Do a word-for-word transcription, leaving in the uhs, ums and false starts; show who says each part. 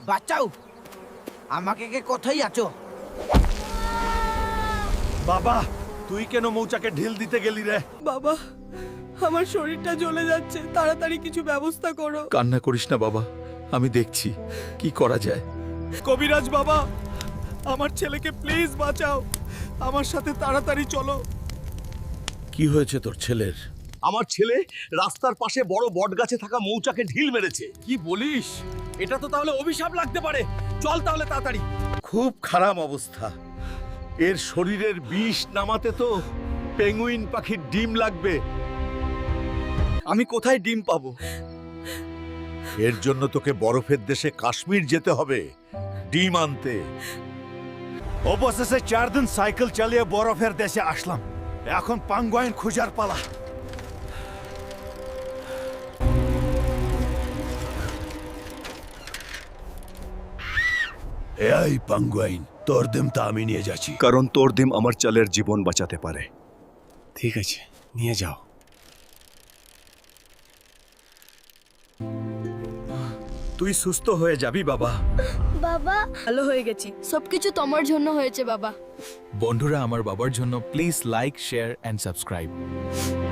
Speaker 1: বাঁচাও, আমাকে কে কোথায় আছো?
Speaker 2: বাবা, তুই কেন মৌচাকে ঢিল দিতে গেলি রে?
Speaker 3: বাবা, আমার শরীরটা জ্বলে যাচ্ছে, তাড়াতাড়ি কিছু ব্যবস্থা করো।
Speaker 4: কান্না করিস না বাবা, আমি দেখছি কি করা যায়।
Speaker 2: কবিরাজ বাবা, আমার ছেলেকে প্লিজ বাঁচাও, আমার সাথে তাড়াতাড়ি চলো।
Speaker 4: কি হয়েছে তোর ছেলের?
Speaker 2: আমার ছেলে রাস্তার পাশে বড় বটগাছে থাকা মৌচাকে ঢিল মেরেছে।
Speaker 4: কি বলিস?
Speaker 2: এটা তো তাহলে অভিশাপ লাগতে পারে। চল তাহলে তাড়াতাড়ি।
Speaker 4: খুব খারাপ অবস্থা।
Speaker 2: এর শরীরের বিষ নামাতে তো পেঙ্গুইন পাখির ডিম লাগবে। আমি কোথায় ডিম পাবো? এর জন্য তোকে বরফের দেশে কাশ্মীর যেতে হবে ডিম আনতে। অবশেষে চার দিন সাইকেল চালিয়ে বরফের দেশে আসলাম। এখন পাঙ্গুইন খোঁজার পালা। এই পাঙ্গুইন, তোর ডিমটা আমি নিয়ে যাচ্ছি।
Speaker 5: কারণ তোর ডিম আমার চালের জীবন বাঁচাতে পারে।
Speaker 6: ঠিক আছে, নিয়ে যাও।
Speaker 2: তুই সুস্থ হয়ে যাবি বাবা।
Speaker 7: বাবা,
Speaker 3: ভালো হয়ে গেছি।
Speaker 7: সবকিছু তোমার জন্য হয়েছে বাবা।
Speaker 4: বন্ধুরা, আমার বাবার জন্য please like, share and subscribe.